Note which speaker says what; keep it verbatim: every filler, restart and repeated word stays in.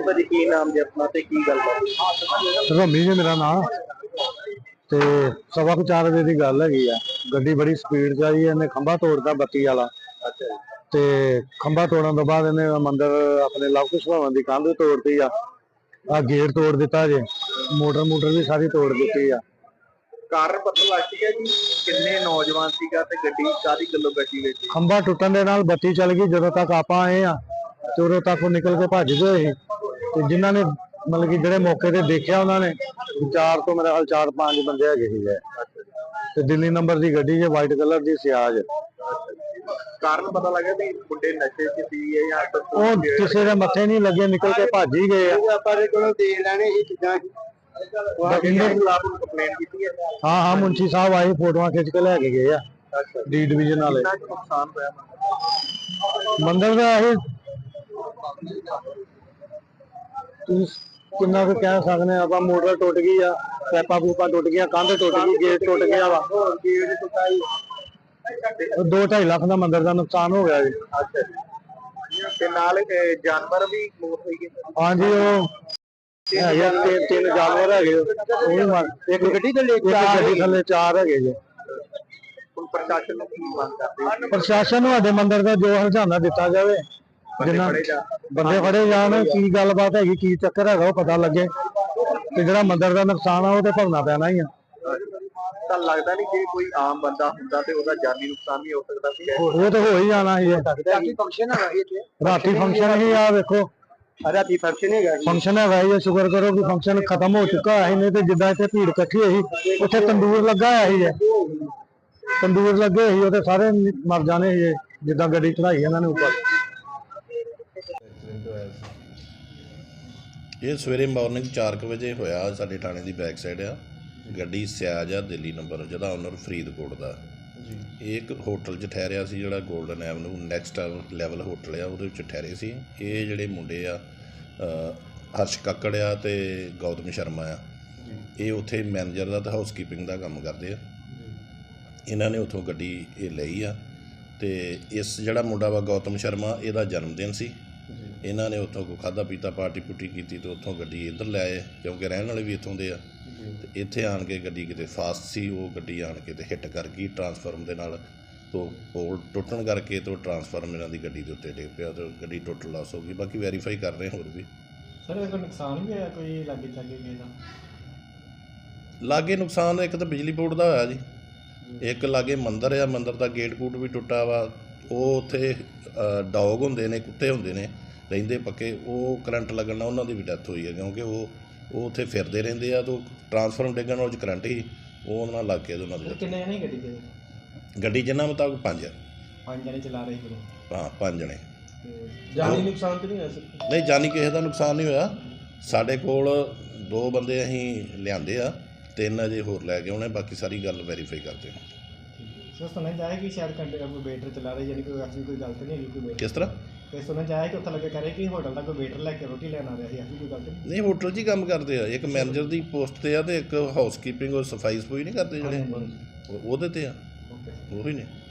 Speaker 1: ਭਾਜੀ ਕੀ ਨਾਮ ਜੀ ਆਪਣਾ ਤੇ ਕੀ ਗੱਲਬਾਤ?
Speaker 2: ਰਮੀ ਜੀ ਮੇਰਾ ਨਾਮ ਤੇ ਸਵਾ ਕੁ ਚਾਰ ਵਜੇ ਦੀ ਗੱਲ ਹੈਗੀ ਆ। ਗੱਡੀ ਬੜੀ ਸਪੀਡ 'ਚ ਆਈ, ਇਹਨੇ ਖੰਭਾ ਤੋੜਦਾ ਬੱਤੀ ਵਾਲਾ।
Speaker 1: ਅੱਛਾ ਜੀ।
Speaker 2: ਤੇ ਖੰਭਾ ਤੋੜਨ ਤੋਂ ਬਾਅਦ ਇਹਨੇ ਮੰਦਰ ਆਪਣੇ ਲਵ ਕੁਸ਼ ਭਵਨ ਦੀ ਕੰਧ ਤੋੜਤੀ ਆ, ਆ ਗੇਟ ਤੋੜ ਦਿੱਤਾ ਜੇ, ਮੋਟਰ ਮੋਟਰ ਵੀ ਸਾਰੀ ਤੋੜ ਦਿੱਤੀ ਆ।
Speaker 1: ਕਾਰਨ ਪਤਾ ਲੱਗ ਗਿਆ ਜੀ ਕਿੰਨੇ ਨੌਜਵਾਨ ਸੀਗਾ ਤੇ ਗੱਡੀ ਕਾਹਦੀ ਗੱਲੋਂ ਗੱਡੀ ਵਿੱਚ?
Speaker 2: ਖੰਭਾ ਟੁੱਟਣ ਦੇ ਨਾਲ ਬੱਤੀ ਚੱਲ ਗਈ। ਜਦੋਂ ਤੱਕ ਆਪਾਂ ਆਏ ਆ ਤੇ ਉਦੋਂ ਤੱਕ ਉਹ ਨਿਕਲ ਕੇ ਭੱਜ ਗਏ ਸੀ। ਤੇ ਜਿਨ੍ਹਾਂ ਨੇ ਮਤਲਬ ਕਿ ਜਿਹੜੇ ਮੌਕੇ ਤੇ ਦੇਖਿਆ ਉਹਨਾਂ ਨੇ ਚਾਰ ਤੋਂ ਮੇਰੇ ਹਾਲ ਚਾਰ ਪੰਜ ਬੰਦੇ ਹੈਗੇ ਸੀਗੇ। ਤੇ ਦਿੱਲੀ ਨੰਬਰ ਦੀ ਗੱਡੀ ਜੇ ਵਾਈਟ ਕਲਰ ਦੀ ਸਿਆਜ।
Speaker 1: ਕਾਰਨ ਪਤਾ ਲੱਗਾ ਵੀ ਮੁੰਡੇ ਨਸ਼ੇ 'ਚ ਸੀ ਜਾਂ
Speaker 2: ਉਹ ਕਿਸੇ ਦੇ ਮੱਥੇ ਨਹੀਂ ਲੱਗੇ, ਨਿਕਲ ਕੇ ਭੱਜ ਹੀ ਗਏ ਆ।
Speaker 1: ਆਪਾਂ ਦੇ ਕੋਲੋਂ ਦੇ ਲੈਣੇ ਸੀ ਚੀਜ਼ਾਂ। ਕੰਪਲੇਂਟ ਕੀਤੀ ਹੈ?
Speaker 2: ਹਾਂ ਹਾਂ ਮੁੰਸ਼ੀ ਸਾਹਿਬ ਆਏ, ਫੋਟੋਆਂ ਖਿੱਚ ਕੇ ਲੈ ਕੇ ਗਏ ਆ ਡੀ ਡਿਵੀਜ਼ਨ ਵਾਲੇ।
Speaker 1: ਨੁਕਸਾਨ ਹੋਇਆ
Speaker 2: ਮੰਦਰ ਦਾ ਇਹ ਕਿੰਨਾ ਕੁ ਕਹਿ ਸਕਦੇ ਆਪਾਂ। ਮੋਟਰ ਟੁੱਟ ਗਈ ਆ, ਪੈਪਾਂ ਪੂਪਾਂ ਟੁੱਟ ਗਈਆਂ, ਕੰਧ ਟੁੱਟ ਗਈ, ਗੇਟ ਟੁੱਟ ਗਿਆ ਵਾ। ਦੋ ਢਾਈ ਲੱਖ ਦਾ ਮੰਦਰ ਦਾ ਨੁਕਸਾਨ ਹੋ ਗਿਆ ਜੀ।
Speaker 1: ਅੱਛਾ ਜੀ। ਤੇ ਨਾਲ ਜਾਨਵਰ ਵੀ ਮੌਤ ਹੋਈ ਗਈ?
Speaker 2: ਹਾਂਜੀ, ਉਹ ਹੈਗੇ ਤਿੰਨ ਤਿੰਨ ਜਾਨਵਰ ਹੈਗੇ। ਉਹ ਵੀ ਮਰ ਇੱਕ ਗੱਡੀ ਥੱਲੇ ਗੱਡੀ ਥੱਲੇ ਚਾਰ ਹੈਗੇ ਜੀ।
Speaker 1: ਹੁਣ ਪ੍ਰਸ਼ਾਸਨ ਨੂੰ ਕੀ ਮੰਗ ਕਰਦੇ?
Speaker 2: ਪ੍ਰਸ਼ਾਸਨ ਨੂੰ ਸਾਡੇ ਮੰਦਰ ਦਾ ਜੋ ਹਰਜਾਨਾ ਦਿੱਤਾ ਜਾਵੇ, ਜਿੰਨਾ ਬੰਦੇ ਫੜੇ ਜਾਣ, ਕੀ ਗੱਲਬਾਤ ਹੈਗੀ, ਕੀ ਚੱਕਰ ਹੈਗਾ ਉਹ ਪਤਾ ਲੱਗੇ। ਤੇ ਜਿਹੜਾ ਮੰਦਰ ਦਾ ਨੁਕਸਾਨ ਆ ਉਹ ਤੇ ਭਰਨਾ ਪੈਣਾ ਹੀ ਆ।
Speaker 1: ਤਾਂ ਲੱਗਦਾ ਨਹੀਂ ਜੇ ਕੋਈ ਆਮ ਬੰਦਾ ਹੁੰਦਾ ਤੇ ਉਹਦਾ ਜਾਨੀ ਨੁਕਸਾਨ ਵੀ ਹੋ ਸਕਦਾ ਸੀ।
Speaker 2: ਉਹ ਤਾਂ ਹੋ ਹੀ ਜਾਣਾ ਸੀ।
Speaker 1: ਰਾਤੀ ਫੰਕਸ਼ਨ ਹੈਗਾ ਇੱਥੇ?
Speaker 2: ਰਾਤੀ ਫੰਕਸ਼ਨ ਹੀ ਆ, ਵੇਖੋ
Speaker 1: ਰਾਤੀ ਫੰਕਸ਼ਨ ਹੈਗਾ।
Speaker 2: ਫੰਕਸ਼ਨ ਹੈਗਾ ਜੀ, ਸ਼ੁਕਰ ਕਰੋ ਕਿ ਫੰਕਸ਼ਨ ਖਤਮ ਹੋ ਚੁੱਕਾ ਹੈ। ਨਹੀਂ ਤੇ ਜਿੱਦਾਂ ਇੱਥੇ ਭੀੜ ਇਕੱਠੀ ਹੋਈ, ਉੱਥੇ ਤੰਦੂਰ ਲੱਗਾ ਹੋਇਆ ਸੀ। ਤੰਦੂਰ ਲੱਗੇ ਸੀ, ਉਹ ਤੇ ਸਾਰੇ ਮਰ ਜਾਣੇ ਸੀ ਜਿੱਦਾਂ ਗੱਡੀ ਚੜਾਈ ਇਹਨਾਂ ਨੇ ਉੱਪਰ।
Speaker 3: ਇਹ ਸਵੇਰੇ ਮਾਰਨਿੰਗ ਚਾਰ ਕੁ ਵਜੇ ਹੋਇਆ। ਸਾਡੇ ਥਾਣੇ ਦੀ ਬੈਕ ਸਾਈਡ ਆ ਗੱਡੀ ਸਿਆਜ ਆ, ਦਿੱਲੀ ਨੰਬਰ, ਜਿਹਦਾ ਓਨਰ ਫਰੀਦਕੋਟ ਦਾ। ਇਹ ਇੱਕ ਹੋਟਲ 'ਚ ਠਹਿਰਿਆ ਸੀ ਜਿਹੜਾ golden avenue next level hotel ਆ, ਉਹਦੇ ਵਿੱਚ ਠਹਿਰੇ ਸੀ। ਇਹ ਜਿਹੜੇ ਮੁੰਡੇ ਆ ਹਰਸ਼ ਕਾਕੜ ਆ ਤੇ ਗੌਤਮ ਸ਼ਰਮਾ ਆ, ਇਹ ਉੱਥੇ ਮੈਨੇਜਰ ਦਾ ਤੇ ਹਾਊਸਕੀਪਿੰਗ ਦਾ ਕੰਮ ਕਰਦੇ ਆ। ਇਹਨਾਂ ਨੇ ਉੱਥੋਂ ਗੱਡੀ ਇਹ ਲਈ ਆ। ਤੇ ਇਸ ਜਿਹੜਾ ਮੁੰਡਾ ਵਾ ਗੌਤਮ ਸ਼ਰਮਾ, ਇਹਦਾ ਜਨਮ ਦਿਨ ਸੀ। ਇਹਨਾਂ ਨੇ ਉੱਥੋਂ ਕੋਈ ਖਾਧਾ ਪੀਤਾ ਪਾਰਟੀ ਪੁੱਟੀ ਕੀਤੀ ਤੇ ਉੱਥੋਂ ਗੱਡੀ ਇੱਧਰ ਲੈ ਆਏ, ਕਿਉਂਕਿ ਰਹਿਣ ਵਾਲੇ ਵੀ ਇੱਥੋਂ ਦੇ ਆ। ਤੇ ਇੱਥੇ ਆਣ ਕੇ ਗੱਡੀ ਕਿਤੇ ਫਾਸਟ ਸੀ, ਉਹ ਗੱਡੀ ਆਣ ਕੇ ਤੇ ਹਿੱਟ ਕਰ ਗਈ ਟਰਾਂਸਫਾਰਮ ਦੇ ਨਾਲ। ਤੋਂ ਪੋਲ ਟੁੱਟਣ ਕਰਕੇ ਤੋਂ ਟਰਾਂਸਫਾਰਮ ਇਹਨਾਂ ਦੀ ਗੱਡੀ ਦੇ ਉੱਤੇ ਡਿੱਗ ਪਿਆ ਤੇ ਗੱਡੀ ਟੁੱਟ ਲਾਸ ਹੋ ਗਈ। ਬਾਕੀ ਵੈਰੀਫਾਈ ਕਰ ਰਹੇ ਹੋਰ ਵੀ।
Speaker 4: ਸਰ ਇਹ ਕੋਈ ਨੁਕਸਾਨ ਵੀ ਹੋਇਆ ਕੋਈ ਲਾਗੇ ਚਾਗੇ ਕਿਸੇ ਦਾ?
Speaker 3: ਲਾਗੇ ਨੁਕਸਾਨ ਇੱਕ ਤਾਂ ਬਿਜਲੀ ਬੋਰਡ ਦਾ ਹੋਇਆ ਜੀ, ਇੱਕ ਲਾਗੇ ਮੰਦਰ ਆ, ਮੰਦਰ ਦਾ ਗੇਟ ਗੂਟ ਵੀ ਟੁੱਟਾ ਵਾ। ਉਹ ਉੱਥੇ ਡੌਗ ਹੁੰਦੇ ਨੇ, ਕੁੱਤੇ ਹੁੰਦੇ ਨੇ ਰਹਿੰਦੇ ਪੱਕੇ, ਉਹ ਕਰੰਟ ਲੱਗਣ ਨਾਲ ਉਹਨਾਂ ਦੀ ਵੀ ਡੈਥ ਹੋਈ ਹੈ। ਕਿਉਂਕਿ ਉਹ ਉਹ ਉੱਥੇ ਫਿਰਦੇ ਰਹਿੰਦੇ ਆ। ਤਾਂ ਟਰਾਂਸਫਾਰਮ ਡਿੱਗਣ ਨਾਲ ਕਰੰਟ ਹੀ ਉਹ ਉਹਨਾਂ ਨਾਲ ਲੱਗ ਕੇ ਉਹਨਾਂ ਦੀ।
Speaker 4: ਕਿੰਨੇ ਜਣੇ ਗੱਡੀ ਦੇ?
Speaker 3: ਗੱਡੀ ਜਿੰਨਾ ਮੁਤਾਬਕ ਪੰਜ ਆ।
Speaker 4: ਪੰਜ ਜਣੇ ਚਲਾ ਰਹੇ ਸੀ?
Speaker 3: ਹਾਂ, ਪੰਜ ਜਣੇ।
Speaker 4: ਜਾਨੀ ਨੁਕਸਾਨ ਤਾਂ ਨਹੀਂ ਹੋਇਆ ਸਰ?
Speaker 3: ਨਹੀਂ, ਜਾਨੀ ਕਿਸੇ ਦਾ ਨੁਕਸਾਨ ਨਹੀਂ ਹੋਇਆ। ਸਾਡੇ ਕੋਲ ਦੋ ਬੰਦੇ ਅਸੀਂ ਲਿਆਂਦੇ ਆ, ਤਿੰਨ ਅਜੇ ਹੋਰ ਲੈ ਕੇ ਆਉਣੇ। ਬਾਕੀ ਸਾਰੀ ਗੱਲ ਵੈਰੀਫਾਈ ਕਰਦੇ ਹਾਂ।
Speaker 4: ਸਰ ਸੁਣਿਆ ਜਾਏ ਕਿ ਸ਼ਾਇਦ ਘੰਟੇ ਦਾ ਕੋਈ ਵੇਟਰ ਚਲਾ ਰਿਹਾ, ਯਾਨੀ ਕੋਈ ਐਸੀ ਕੋਈ ਗਲਤ ਨਹੀਂ ਹੈਗੀ ਕੋਈ?
Speaker 3: ਕਿਸ ਤਰ੍ਹਾਂ?
Speaker 4: ਤੇ ਸੁਣਿਆ ਜਾਏ ਕਿ ਉੱਥੇ ਲੱਗੇ ਕਰੇ ਕਿ ਹੋਟਲ ਦਾ ਕੋਈ ਵੇਟਰ ਲੈ ਕੇ ਰੋਟੀ ਲੈਣ ਆ ਰਿਹਾ ਸੀ, ਐਸੀ ਕੋਈ ਗਲਤ ਨਹੀਂ?
Speaker 3: ਨਹੀਂ, ਹੋਟਲ 'ਚ ਹੀ ਕੰਮ ਕਰਦੇ ਆ। ਇੱਕ ਮੈਨੇਜਰ ਦੀ ਪੋਸਟ 'ਤੇ ਆ ਤੇ ਇੱਕ ਹਾਊਸਕੀਪਿੰਗ ਔਰ ਸਫਾਈ ਸਫੂਈ ਨਹੀਂ ਕਰਦੇ ਜਿਹੜੇ, ਉਹਦੇ 'ਤੇ ਆ। ਉਹੀ ਨੇ।